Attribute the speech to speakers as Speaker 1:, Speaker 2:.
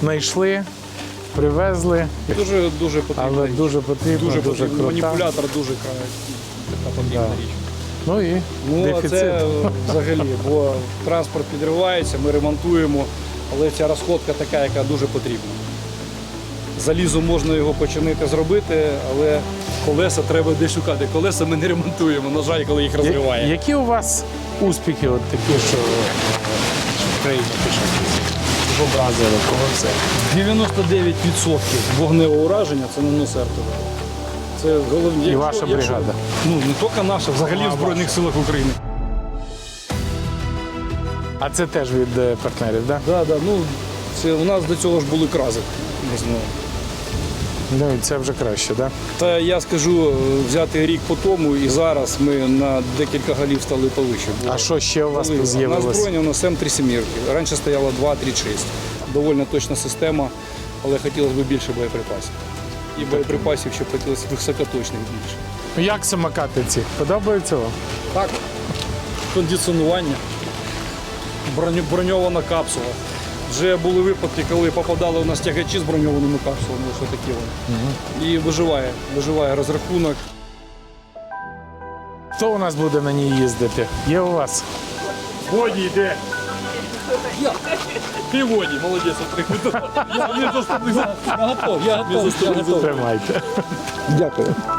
Speaker 1: знайшли, привезли,
Speaker 2: Дуже потрібно.
Speaker 1: але дуже потрібно, дуже крута.
Speaker 2: Маніпулятор дуже така потрібна
Speaker 1: Да.
Speaker 2: річ.
Speaker 1: Ну і
Speaker 2: Ну, а
Speaker 1: дефіцит.
Speaker 2: це взагалі, бо транспорт підривається, ми ремонтуємо, але ця розходка така, яка дуже потрібна. Залізом можна його починити зробити, але колеса треба десь шукати. Колеса ми не ремонтуємо, на жаль, коли їх розриває.
Speaker 1: Які у вас успіхи от такі, що в країні пишуть? Образили, кого все?
Speaker 2: 99% вогневого ураження це нанос РТВ. Це головні.
Speaker 1: І ваша бригада?
Speaker 2: Ну, не тільки наша, взагалі в Збройних силах України.
Speaker 1: А це теж від партнерів, так?
Speaker 2: Да, ну, це, у нас до цього ж були крази.
Speaker 1: Ну, і це вже краще, так?
Speaker 2: Та я скажу, взяти рік по тому і зараз ми на декілька голів стали повище.
Speaker 1: А що ще у вас
Speaker 2: На
Speaker 1: з'явилось?
Speaker 2: збройні у нас М3 «семірки». Раніше стояло 2-3-6. Довольно точна система, але хотілося б більше боєприпасів. І боєприпасів ще хотілося високоточних більше.
Speaker 1: Ну, як самокати ці? Подобаються вам?
Speaker 2: Так, кондиціонування, броньована капсула. Вже були випадки, коли попадали у нас тягачі з броньованими капсулами, що такі вони. І виживає розрахунок.
Speaker 1: Хто у нас буде на ній їздити? Є у вас?
Speaker 2: Воді йде. Ти воді, молодець, отримав. Я готов.
Speaker 1: Тримайте.
Speaker 2: Дякую.